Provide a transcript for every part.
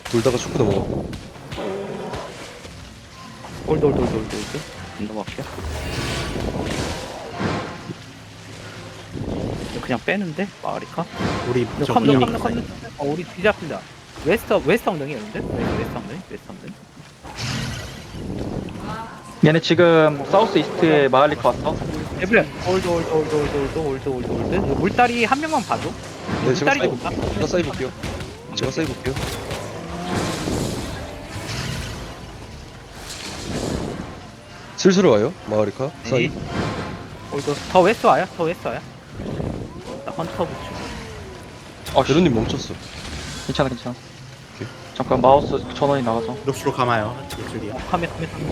돌다가 축구 넘어가고. 홀드 안 넘어갈게요. 그냥 빼는데 마을이카. 우리 근데 저 컴는 이미 컴는 우리 뒤잡힌다. 웨스트 엉덩이였는데? 웨스트 엉덩이. 얘네 지금 사우스 이스트에 마을리카 왔어. 에브리언 홀드. 이거 물다리 한 명만 봐줘. 네, 제가 물다리 사이브, 좋다. 제가 사이브 볼게요. 제가 사이브 볼게요. 슬슬 와요, 마을이카. 사이. 홀드. 더 웨스트 와요. 나 헌터 붙여. 제로님 멈췄어. 괜찮아. 오케이. 잠깐 마우스 전원이 나가서. 녹수로 감아요. 녹수리야. 카메.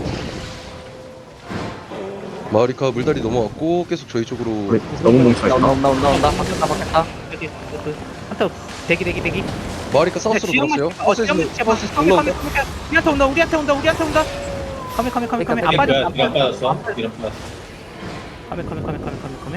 마을이카 물다리 넘어왔고 계속 저희 쪽으로. 너무 뭉쳐있어. 나온다. 바뀌었다. 여기 헌터 대기. 마을이카 사우스로 돌았어요. 우리한테 온다. 카메. 안 빠졌어. 이안 빠졌어. 이런 빠졌어. 카메.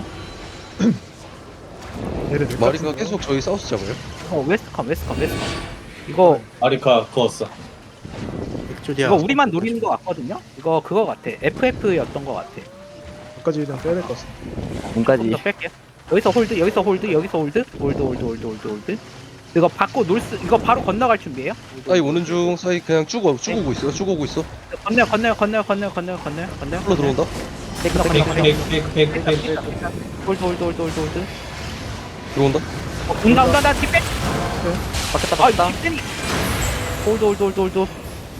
마을이카 계속 저희 사우스 잡아요. 웨스트 컴. 이거 아리카 그었어. 백조디아. 이거 우리만 노리는 거 같거든요. 이거 그거 같아. FF였던 거 같아. 까지 그냥 빼야 될 것 같아. 문까지. 더 뺄게. 여기서 홀드. 이거 받고 놀스 이거 바로 건너갈 준비해요. 사이 오는 중. 사이 그냥 쭉 오고 있어. 건너요. 풀로 들어온다. 페이크. 홀드. 들어온다. 온다. 나 뒷배. 바뀌었다. 뒷배니. 홀드.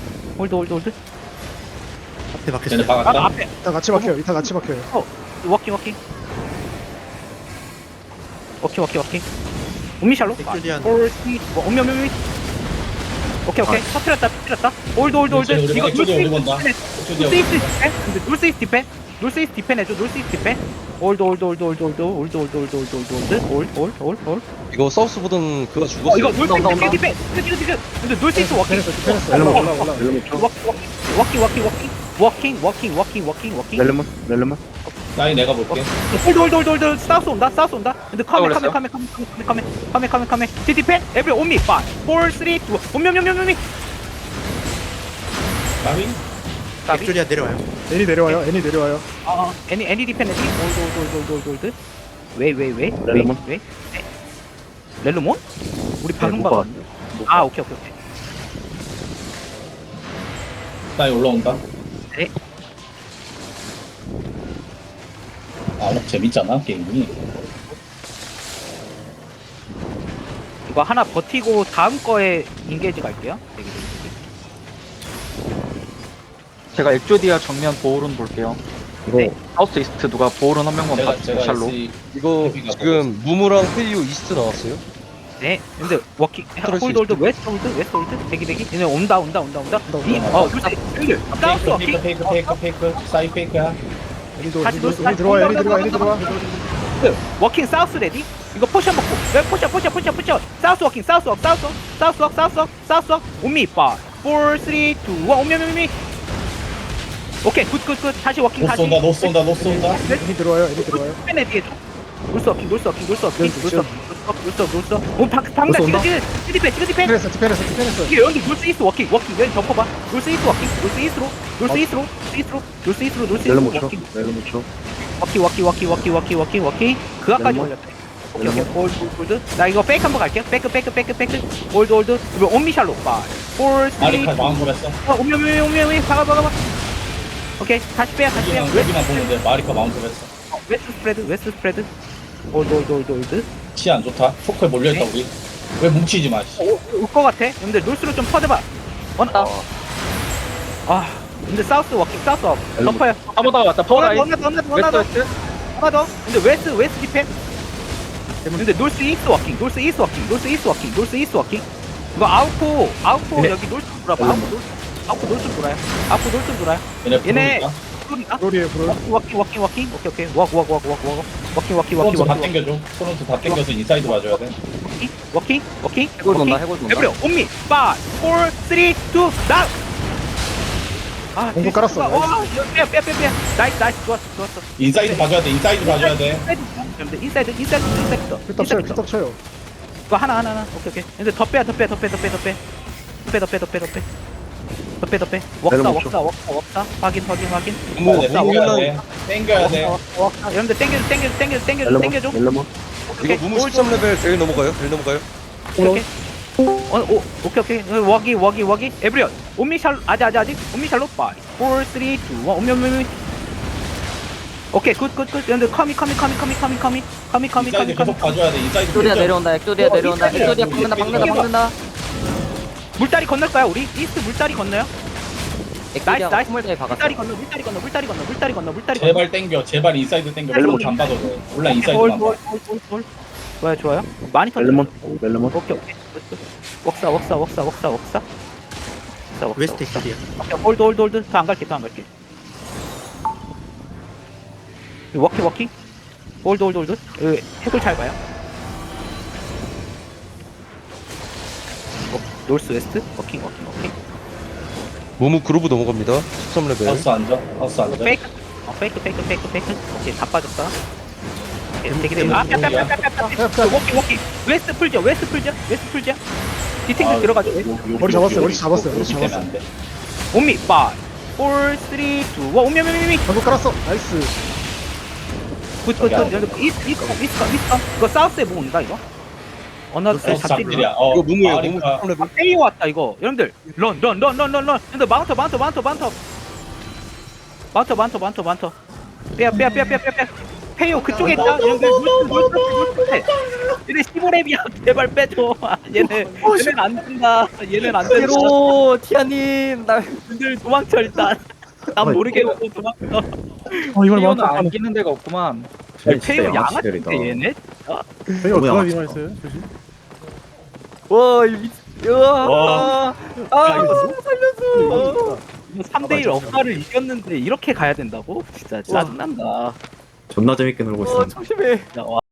앞에 박혔어. 쟤네 박았다. 앞에. 이따 같이 박혀요. 워킹. 우미샬로. 백조디아. 오미. 오케이. 터뜨렸다. 홀드. 이거 우리 본다. 놀스이스트 디펜 해줘. 홀드. 이거 사우스보단 그가 죽었어. 이거 놀스이스트 디펜. 근데 놀스이스트 워킹. 워킹. 렐름은. 나이 내가 볼게. 홀드. 사우스 온다. 근데 카메. 디펜. 에브리 온미. 5, 4, 3, 2. 온미. 나이 백조디아 내려와요. 애니 내려와요. 애니 디펜 해지. 홀드. 왜? 렐루몬? 렐루몬? 우리 방금 못 봤는데. 아, 오케이. 나이 올라온다. 네. 재밌잖아 게임이. 이거 하나 버티고 다음 거에 인게이지 갈게요. 되게. 제가 엑조디아 정면 보호론 볼게요. 네. 사우스 이스트 누가 보호론 한 명만 제가 샬로. 이거 지금 무무랑 페이오 이스트 나왔어요. 네. 근데 워킹 홀드 웨스트 홀드 대기. 얘네 온다. 사우스 워킹. 페이크. 사이 페이크야. 다시 애니 들어와. 워킹 사우스 레디. 이거 포션 먹고. 왜 포션. 사우스 워킹. 사우스 워. 온미 5, 4, 3, 2, 1. 온미. 오케이. 굿. 다시 워킹. 노 쏜다. 애니 들어와요. 펜에 뒤에 줘. 놀스 워킹. 오, 방금 찍어 디펜. 디펜했어. 이게 여기 놀스 이스트 워킹. 여기 덮어봐. 놀스 이스트로. 렐름 쳐. 워킹. 그 앞까지 올렸대. 오케이. 홀드. 나 이거 페이크 한번 갈게요. 페이크. 홀드. 이거 온미샬로. 5, 4, 3, 2. 아리카 마운트했어. 오미. 박아. 오케이. 다시 빼야. 여기만 보는데 마리카 마운트했어. 웨스트 스프레드. 홀드. 치 안 좋다. 포크에 몰려있다 우리. 왜 뭉치지 마. 올것 같아. 근데 놀스로 좀 퍼져봐. 원다. 근데 사우스 워킹. 덮어요. 파워다 왔다. 파워다. 하나 더. 근데 웨스트 디펜. 근데 놀스 이스트 워킹. 이거 아웃포 여기 놀스 돌아봐. 아웃포 놀스 돌아요. 얘네 프로인가? 브롤이에요. 워킹. 오케이. 프론트 다 땡겨줘. 프론트 다 땡겨서 인사이드 봐줘야 돼. 워킹. 해골 돈다. 에브리 온미 5, 4, 3, 2, 나. 공고 깔았어. 빼. 나이스. 좋았어. 인사이드 봐줘야 돼. 인사이드. 필떡 쳐요. 이거 하나. 오케이. 근데 더 빼. 더빼 웍사 렐름 웍사 확인 무무 땡겨야 무무랑 돼. 땡겨야 돼. 웍사 여러분들 땡겨줘 렐름 땡겨줘 렐름 이거 무무 13레벨 제일 넘어가요? 오케이 오케이 워기 에브리언 옴미샬 아직 옴미샬로 5 4 3 2 1 옴미 오케이 굿 여러분들 커미 인사이드 계속 봐줘야 돼. 인사이드 엑조리아 풀죠. 내려온다. 엑조리아 박는다. 물다리 건널까요 우리? 이스트 물다리 건너요? 엑조리아 나이스. 스물대에 박았어. 물다리 건너 제발 땡겨. 제발 인사이드 땡겨. 렐름 안 봐도 돼. 몰라 인사이드 안 봐. 좋아요 많이 던져 렐름 오케이 웍사 웨스트 엑줄이야. 홀드 더 안 갈게 워킹 홀드 핵을 잘 봐요 노스 웨스트 워킹 무무 그루브 넘어갑니다. 13레벨. 하우스 앉아. 페이크 오케이 다 빠졌다 되게 워킹 웨스트 풀죠 디탱크 들어가죠 머리 잡았어요. 때문에 안 돼. 옴미 5 4 3 2 1 옴미 방금 깔았어. 나이스. 굿 이거 사우스에 뭐 온다 이거? 어느 사우스 잡지 잡들이야. 이거 무무예요. 무무 그러니까 13레벨. 페이오 왔다 이거 여러분들 런 여러분들 마운터 빼야 페이오 그쪽에 있다 여러분들 물때 얘네 15렙이야 제발 빼줘 얘는 안 된다 얘는 안 된다 로 티아님 나 여러분들 도망쳐 일단 난 모르게 오고 도망쳐 이걸 페이오는 마운트 안 끼는 데가 없구만. 페이오 양아치인데 얘네 페이오 누가 빙하했어요? 조심. 와, 이 미친. 아, 살려줘. 3대1 억가를 이겼는데 이렇게 가야 된다고? 진짜 짜증난다 존나 재밌게 놀고 있어. 조심해. 와.